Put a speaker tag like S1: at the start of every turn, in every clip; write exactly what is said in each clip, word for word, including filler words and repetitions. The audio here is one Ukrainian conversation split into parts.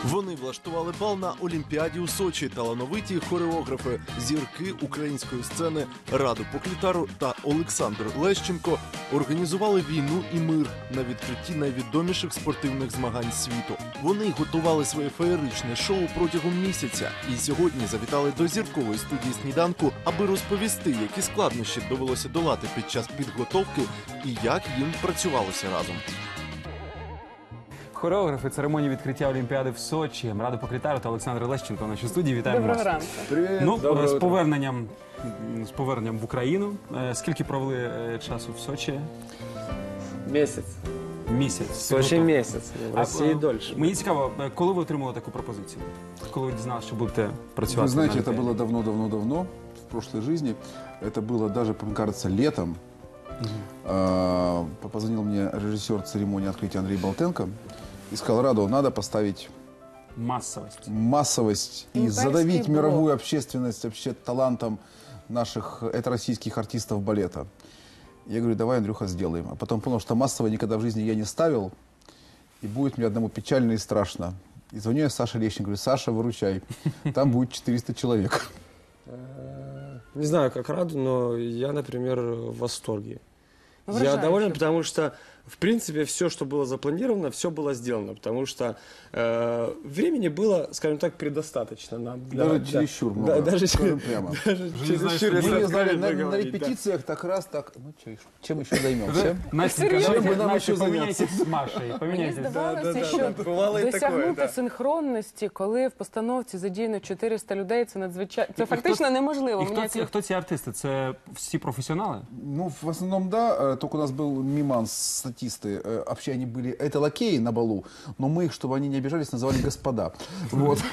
S1: Вони влаштували бал на Олімпіаді у Сочі. Талановиті хореографи, зірки української сцени Раду Поклітару та Олександр Лещенко організували війну і мир на відкритті найвідоміших спортивних змагань світу. Вони готували своє феєричне шоу протягом місяця і сьогодні завітали до зіркової студії «Сніданку», аби розповісти, які складнощі довелося долати під час підготовки і як їм працювалося разом.
S2: Хореографи церемонії відкриття Олімпіади в Сочі, Раду Поклітару та Олександр Лещенко в нашій студії. Вітаємо вас.
S3: Доброго ранку.
S4: Привіт.
S2: Ну,
S4: Доброго
S2: з
S4: утра.
S2: поверненням, з поверненням в Україну. Е, Скільки провели е, часу в Сочі?
S4: Месяц.
S2: Місяць.
S4: В Сочи месяц. В
S2: А,
S4: России
S2: е,
S4: дольше.
S2: Мені цікаво, е, коли ви отримали таку пропозицію? Коли ви дізналися, що будете працювати?
S5: Вы знаете,
S2: на
S5: это
S2: Олімпіаді?
S5: было давно-давно-давно, в прошлой жизни. Это было даже, мне кажется, летом. А, Позвонил мне режиссер церемонии открытия Андрей Болтенко и сказал: Раду, надо поставить
S2: Масовість.
S5: массовость и
S3: Имперский
S5: задавить
S3: блок.
S5: мировую общественность вообще талантом наших, это российских артистов балета. Я говорю: давай, Андрюха, сделаем. А потом понял, что массово никогда в жизни я не ставил, и будет мне одному печально и страшно. И звоню я Саше Лещенко, говорю: Саша, выручай, там будет четыреста человек.
S4: Не знаю, как Раду, но я, например, в восторге.
S3: Ну,
S4: Я
S3: выражающе.
S4: доволен, потому что, в принципе, все, что было запланировано, все было сделано. Потому что э, времени было, скажем так, предостаточно нам. для-
S5: Даже
S4: да.
S5: чересчур много,
S4: Да, даже
S5: скажем
S4: чер-
S5: прямо.
S4: даже
S2: не знаешь,
S4: чересчур,
S2: что
S4: если
S5: Мы не знали,
S4: откровенно
S5: на, на
S4: говорить, да.
S5: репетициях так раз, так, ну чё, чем еще займемся?
S2: Настенька,
S3: Серйозно?
S2: давайте,
S5: Чим би нам
S2: Настя,
S5: ще
S2: поміняйтесь з Машею.
S3: Мені
S2: Поміняйтесь.
S3: здавалося,
S4: да, да,
S3: що
S4: да. Бувало і таке,
S3: досягнути
S4: да.
S3: синхронності, коли в постановці задіяно чотириста людей, це надзвичайно, це фактично неможливо.
S2: І
S3: Мені
S2: хто ці,
S3: це-
S2: хто ці артисти? Це всі професіонали?
S5: Ну, в основном, да, э, только у нас был миман, статисты, э, вообще они были, это лакеи на балу, но мы их, чтобы они не обижались, называли господа. Вот.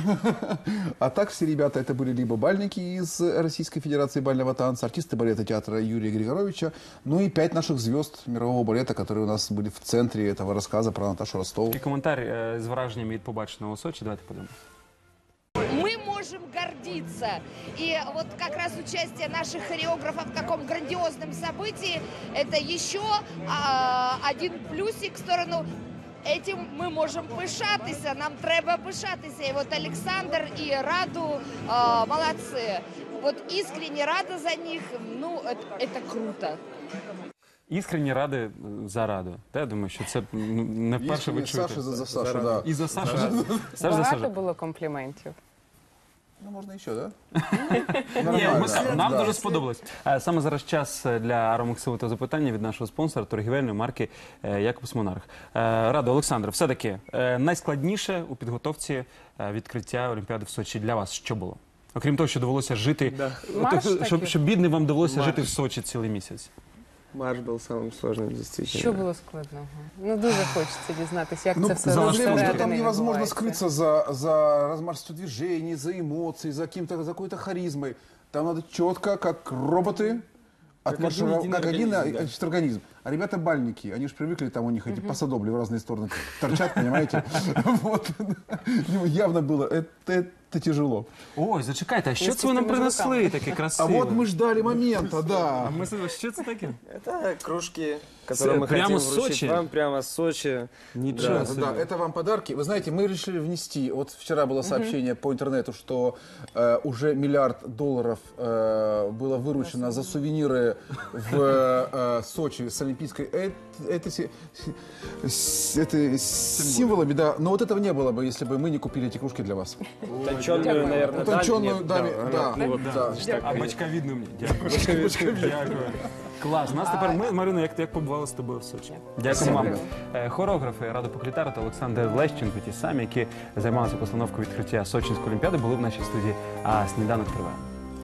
S5: А так все ребята, это были либо бальники из Российской Федерации бального танца, артисты балета театра Юрия Григоровича, ну и пять наших звезд мирового балета, которые у нас были в центре этого рассказа про Наташу Ростову.
S2: Такий коментар е, з враженнями від побаченого у Сочі. Давайте подивимося.
S6: Мы можем гордиться. И вот как раз участие наших хореографов в таком грандиозном событии – это еще а, один плюсик в сторону. Этим ми можемо пишатися, нам треба пишатися. І от Олександр і Раду а, молодці. Вот искренне рада за них, ну, это, это круто.
S2: Іскренні ради е, за раду. Та, я думаю, що це ну, не вперше ви
S5: Искренне
S2: чуєте.
S5: Саша за, за Сашу, да.
S2: І за Сашу. Саша за
S3: Багато
S2: Сашу.
S3: було компліментів.
S5: Ну, можно еще, да?
S2: Ні,
S5: Нормально,
S2: ми,
S5: да,
S2: нам
S5: да.
S2: дуже сподобалось. Е, Саме зараз час для аромаксивного запитання від нашого спонсора торгівельної марки е, Якобс Монарх. Е, Радо, Олександр, все-таки е, найскладніше у підготовці е, відкриття Олімпіади в Сочі для вас що було? Окрім того, що довелося жити,
S4: Да.
S2: от,
S3: Марш
S2: щоб,
S3: такий.
S2: щоб бідним вам довелося
S4: Марш.
S2: жити в Сочі цілий місяць.
S4: Марш был самым сложным, действительно.
S3: Що було складного? Ну, дуже хочеться дізнатися, як
S5: Ну,
S3: це все
S5: проблема, что
S3: зсередини
S5: там невозможно
S3: відбувається.
S5: скрыться за, за размашистостью движений, за эмоцией, за, каким-то, за какой-то харизмой. Там надо четко, как роботы, отмаршировать,
S4: один
S5: как один
S4: организм, да.
S5: значит, организм. А ребята бальники, они же привыкли, там у них эти посадобли в разные стороны торчат, понимаете? Вот. Ну, явно было, это, это тяжело.
S2: Ой, зачекайте, а що
S3: Із
S2: це ви нам
S3: пустими
S2: принесли
S3: руками.
S2: таке
S5: А
S2: красиве?
S5: вот мы ждали момента, да.
S2: А ми з- що це таке?
S4: Это кружки, которые мы
S2: прямо
S4: хотим
S2: с
S4: вручить
S2: Сочи?
S4: вам прямо с Сочи.
S2: Ничего
S5: Да,
S2: себе.
S5: да, это вам подарки. Вы знаете, мы решили внести, вот вчера было сообщение по интернету, что э, уже миллиард долларов э, было выручено за сувениры в э, Сочи с Олимпийской. Это, это, се- с- это с символами, да. Но вот этого не было бы, если бы мы не купили эти кружки для вас.
S4: Утонченную, наверное,
S5: Утонченную,
S4: нет,
S5: да, да,
S4: ну вот,
S5: да.
S2: А бачковідну мені. Дякую. Дякую. Клас. У нас тепер ми, Марина, як, як побували з тобою в Сочі. Дякую вам. Е, Хореографи Раду Поклітару та Олександр Лещенко, ті самі, які займалися постановкою відкриття Сочинської олімпіади, були в нашій студії. А сніданок триває.